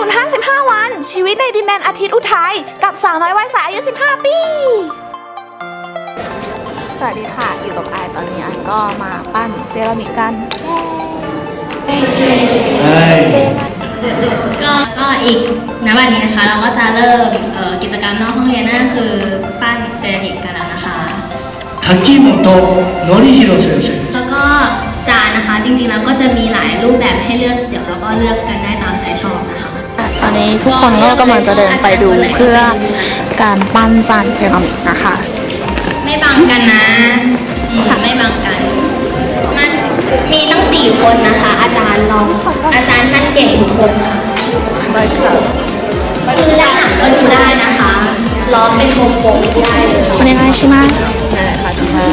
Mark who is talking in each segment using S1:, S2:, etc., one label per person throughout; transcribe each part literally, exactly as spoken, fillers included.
S1: นห้าสิบห้าวันชีวิตในดินแดนอาทิตย์อุทัยกับสาวน้อยวัยใสอายุสิบห้าปีสวัสดีค่ะอยู่กับไอตอนนี้ไอก็มาปั้นเซรามิกกัน
S2: ก็ก็อีกณวันนี้นะคะเราก็จะเริ่มกิจกรรมนอกห้องเรียนนั่นคือปั้นเซรามิกกันแล้วนะคะ
S3: 滝本典弘先生
S2: แล้วก็จานนะคะจริงๆแล้วก็จะมีหลายรูปแบบให้เลือกเดี๋ยวเราก็เลือกกันได้ตามใจชอบนะคะ
S1: ตอนนี้ทุกคนก็กำลังจะเดินไปดูเพื่อการปั้นจานเซรามิกนะคะ
S2: ไม่บังกันนะไม่บังกันมันมีตั้งสี่คนนะคะอาจารย์ลองอาจารย์ท่านเก่งทุกคนค่ะคือด้านหลังก็ดูได้นะคะล้อเป็นวงกลมได้เลย
S1: お願いします
S4: นั่นแหละค่ะที่มา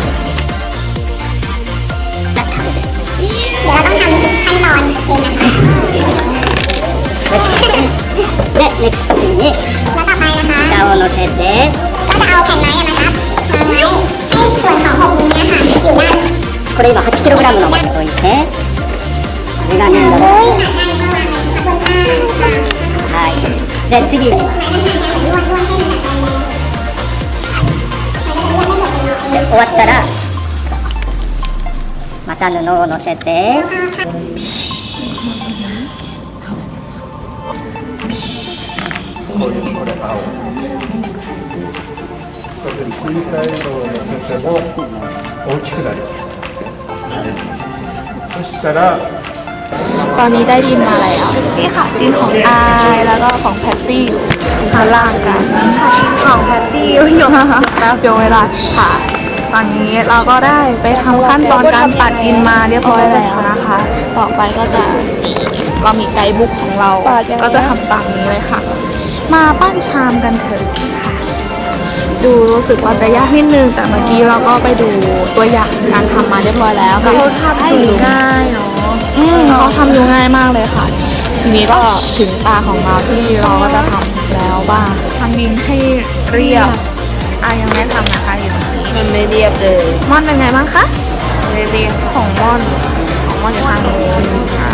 S5: เดี๋ยวเราต้องทำทุกขั้นตอนเองนะคะ
S4: で、ネクスト次に
S5: แล้วต่อไปนะคะ
S4: 蓋を乗せて
S5: ก็จะเอาแผ่นไม้นะครับมาไว้ให้ส่วนของหกนิ้วนี้ค่ะอยู่ด้าน
S4: これ今 はちキログラム の場所に置いてこれが粘土ですはいで次で終わったらまた布を乗せて
S6: これ青小さいのを乗せても大きくなりますそしたら
S1: ตอนนี้ได้ดินมาแล้วนี่ค่ะดินของอายแล้วก็ของแพตตี้อยู่ข้างล่างกันของแพตตี้อยู่อยู่แล้วเดี๋ยวเวลาค่ะตอนนี้เราก็ได้ไปทำขั้นตอนการตัดดินมาเรียบร้อยแล้วนะคะ ต่อไปก็จะเรามีไกด์บุ๊กของเราก็จะทำตามนี้เลยค่ะมาปั้นชามกันเถอะค่ะดูรู้สึกว่าจะยากนิดนึงแต่เมื่อกี้เราก็ไปดูตัวอย่างการทำมาเรียบร้อยแล้วก็
S4: เขาทำดูง่ายเนาะ
S1: อืมเขาทำดูง่ายมากเลยค่ะทีนี้ก็ถึงตาของเราที่เราก็จะทำแล้วบ้างทำดินให้เรียบอ่ะยังไม่ทำนะคะอยู่ตรงนี้
S4: มันไม่เรียบเลย
S1: ม่อนเป็นไงบ้างคะ
S4: ไม่เรียบ
S1: ของม่อนของม่อนอยู่ทางโน้นค่ะ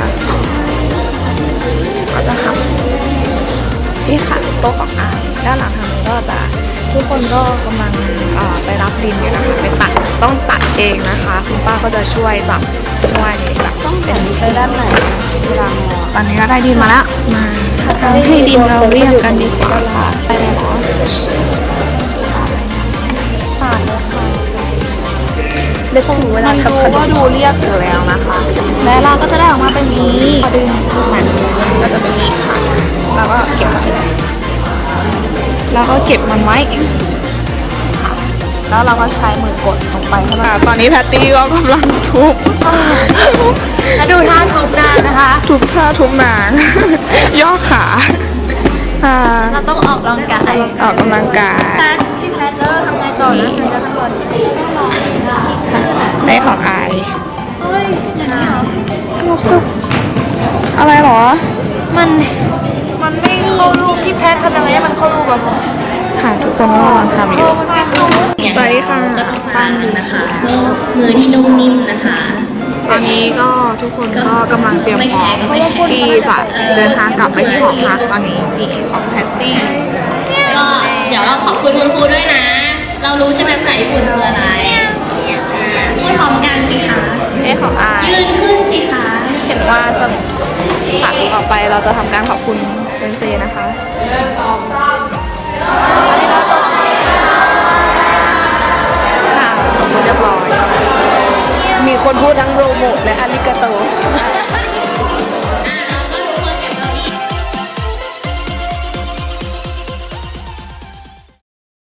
S1: ก็จะทำที่ค่ะโต๊ะของอายด้านหลังทางนี้ก็จะทุกคนก็กำลังไปรับดินอยู่นะคะไปตัดต้องตัดเองนะคะคุณป้าก็จะช่วยจับช่วยแบบ
S4: ต้องแบ่งไปด้านไหนเวลามอ
S1: ตอนนี้ก็ได้ดินมาแล้วมาทำให้ดินเราเรียบกันดีกว่าค่ะไปเลยเนาะสาดเลยค่ะ
S4: เด็กของหนูเวลาทำขนม
S1: ก็ดูเรียบอยู่แล้วนะคะและเราก็จะได้ออกมาเป็นนี้พอดึงมันก็จะเป็นนี้ค่ะแล้วก็เก็บไว้แล้วก็เก็บมันไว้แล้วเราก็ใช้มือกดลงไปค่ะตอนนี้แพตตี้ก็กำลังทุบ
S4: แล้วดูท่าทุบนางนะคะ
S1: ทุบท่าทุบนางย่อขา
S4: เราต้องออกกำลังกาย
S1: ออกกำลังกาย
S4: พี่แพทเตอร์ทำไงต่อนะทำไงต่อ
S1: ได้ของอายสงบสุขอะไรหรอ
S4: มันมันไม่เข้ารูปพี่แพททำยังไงให้มันเข้ารูปแบบ
S1: ค่ะทุกคนก็กำลังทำอยู่สวัสดีค่ะ
S2: ก็ต้องปั้นนะคะเพื่อมือที่นุ่มนิ่มนะคะ
S1: ตอนนี้ก็ทุกคนก็กำลังเตรียมพร้อมที่จะเดินทางกลับไปที่หอพักตอนนี้ดีของแพตตี้
S2: ก็เดี๋ยวเราขอบคุณคุณครูด้วยนะเรารู้ใช่ไหมภาษาญี่ปุ่นคืออะไรพูดพร้อมกันสิคะ
S1: เอ้ของอาย
S2: ยืนขึ้นสิคะ
S1: เห็นว่าสนุกค่ะต่อไปเราจะทำการขอบคุณเซนเซนะคะค่ะเรียบร้อย
S4: มีคนพูดทั้งโรโมทและอาริกาโต